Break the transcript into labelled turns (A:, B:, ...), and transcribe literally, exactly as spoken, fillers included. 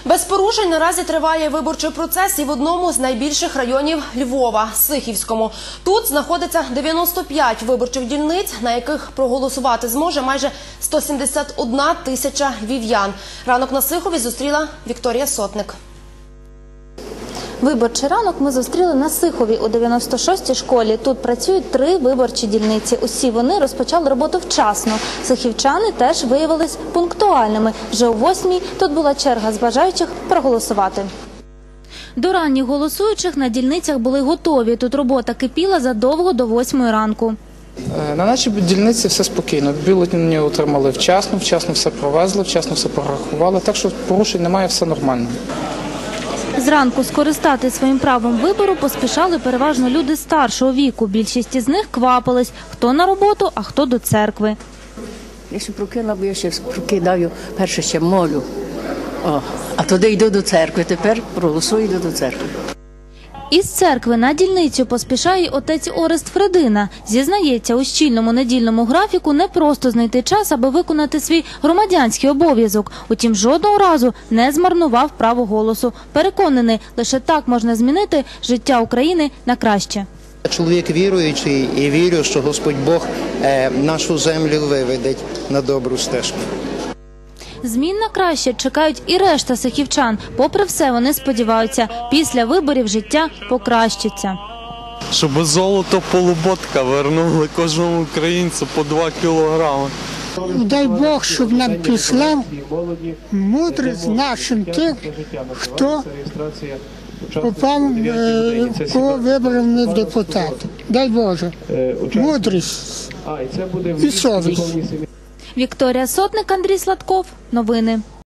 A: Без порушень наразі триває виборчий процес і в одному з найбільших районів Львова – Сихівському. Тут знаходиться дев'яносто п'ять виборчих дільниць, на яких проголосувати зможе майже сто сімдесят одна тисяча львів'ян. Ранок на Сихові зустріла Вікторія Сотник.
B: Виборчий ранок ми зустріли на Сихові у дев'яносто шостій школі. Тут працюють три виборчі дільниці. Усі вони розпочали роботу вчасно. Сихівчани теж виявились пунктуальними. Вже о восьмій тут була черга з бажаючих проголосувати. До ранніх голосуючих на дільницях були готові. Тут робота кипіла задовго до восьмої ранку.
C: На нашій дільниці все спокійно. Бюлетені отримали вчасно, вчасно все провезли, вчасно все порахували. Так що порушень немає, все нормально.
B: Зранку скористати своїм правом вибору поспішали переважно люди старшого віку. Більшість із них квапились. Хто на роботу, а хто до церкви.
D: Я ще прокинула, бо я ще прокидаю, перше ще молю. О, а туди йду до церкви, тепер проголосую, йду до церкви.
B: Із церкви на дільницю поспішає отець Орест Фредина. Зізнається, у щільному недільному графіку не просто знайти час, аби виконати свій громадянський обов'язок. Утім, жодного разу не змарнував право голосу. Переконаний, лише так можна змінити життя України на краще.
E: Чоловік віруючий і вірю, що Господь Бог нашу землю виведе на добру стежку.
B: Змін на краще чекають і решта сихівчан. Попри все, вони сподіваються, після виборів життя покращиться.
F: Щоб золото полуботка вернули кожному українцю по два кілограми.
G: Дай Бог, щоб нам пішла мудрість нашим тим, хто попав, кого вибрав не в депутати. Дай Боже, мудрість і совість.
B: Вікторія Сотник, Андрій Сладков. Новини.